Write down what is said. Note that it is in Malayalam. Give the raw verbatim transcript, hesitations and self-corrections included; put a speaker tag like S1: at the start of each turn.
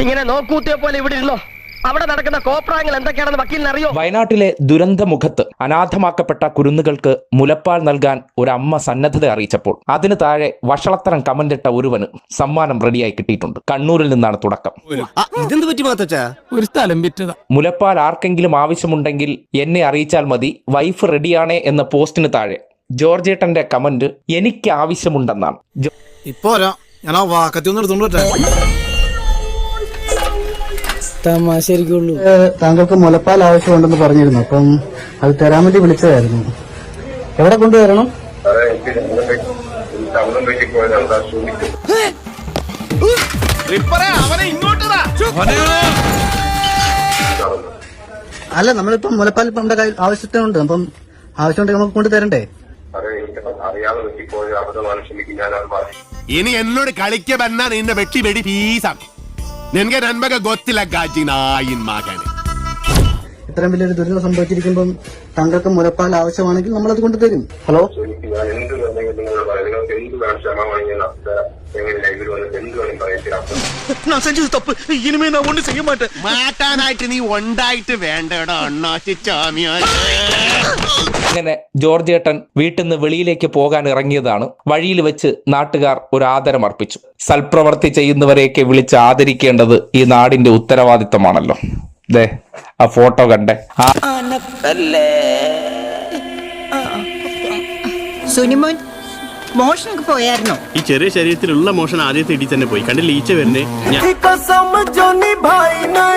S1: ഇങ്ങനെ നോക്കൂത്തിയെ പോലെ ഇവിടെ ഇരുന്നോ. അവിടെ നടക്കുന്ന കോപ്രായങ്ങൾ എന്തൊക്കെയാണെന്ന് വക്കീലിന് അറിയോ?
S2: വയനാട്ടിലെ ദുരന്തമുഖത്ത് അനാഥമാക്കപ്പെട്ട കുരുന്നുകൾക്ക് മുലപ്പാൽ നൽകാൻ ഒരു അമ്മ സന്നദ്ധത അറിയിച്ചപ്പോൾ അതിന് താഴെ വഷളത്തരം കമന്റിട്ട ഒരുവന് സമ്മാനം റെഡിയായി കിട്ടിയിട്ടുണ്ട്. കണ്ണൂരിൽ നിന്നാണ് തുടക്കം.
S3: ഒരു സ്ഥലം വിറ്റതാ.
S2: മുലപ്പാൽ ആർക്കെങ്കിലും ആവശ്യമുണ്ടെങ്കിൽ എന്നെ അറിയിച്ചാൽ മതി, വൈഫ് റെഡിയാണേ എന്ന പോസ്റ്റിന് താഴെ ജോർജേട്ടന്റെ കമന്റ് എനിക്ക് ആവശ്യമുണ്ടെന്നാണ്.
S3: ഇപ്പോ ഞാൻ ആ വാക്കത്തി ഒന്ന് എടുത്തോണ്ട് തമാശരിക്കുള്ളൂ.
S4: താങ്കൾക്ക് മുലപ്പാൽ ആവശ്യമുണ്ടെന്ന് പറഞ്ഞിരുന്നു, അപ്പം അത് തരാൻ വേണ്ടി വിളിച്ചതായിരുന്നു. എവിടെ കൊണ്ടുവരണം? അല്ല, നമ്മളിപ്പം മുലപ്പാൽ ഇപ്പം നമ്മുടെ കയ്യിൽ ആവശ്യത്തിനുണ്ട്, അപ്പം ആവശ്യമുണ്ടെങ്കിൽ നമുക്ക് കൊണ്ട് തരണ്ടേ?
S5: ഇനി എന്നോട് കളിക്ക പറഞ്ഞാൽ നിന്നെ വെട്ടി വെടി പീസാം. നിനക്ക് നന്മക ഗൊത്തില്ല ഗാജിനായിൻ മകന്.
S4: ഇത്രയും വലിയൊരു ദുരിതം സംഭവിച്ചിരിക്കുമ്പം താങ്കൾക്ക് മുലപ്പാൽ ആവശ്യമാണെങ്കിൽ നമ്മളത് കൊണ്ട് തരും. ഹലോ,
S5: മാറ്റാനായിട്ട് നീ ഉണ്ടായിട്ട് വേണ്ടടാ അണ്ണാച്ചിച്ചാമിയാ.
S2: അങ്ങനെ ജോർജേട്ടൻ വീട്ടിൽ നിന്ന് വെളിയിലേക്ക് പോകാൻ ഇറങ്ങിയതാണ്. വഴിയിൽ വെച്ച് നാട്ടുകാർ ഒരു ആദരം അർപ്പിച്ചു. സൽപ്രവർത്തി ചെയ്യുന്നവരെയൊക്കെ വിളിച്ച് ആദരിക്കേണ്ടത് ഈ നാടിന്റെ ഉത്തരവാദിത്തമാണല്ലോ. ദേ ആ ഫോട്ടോ കണ്ടേ.
S6: സുനിമോൻ മോഷണക്ക് പോയായിരുന്നോ?
S7: ഈ ചെറിയ ശരീരത്തിലുള്ള മോഷൻ ആദ്യത്തെ ഇടി തന്നെ പോയി. കണ്ടില്ല ഈച്ച വരുന്നേ.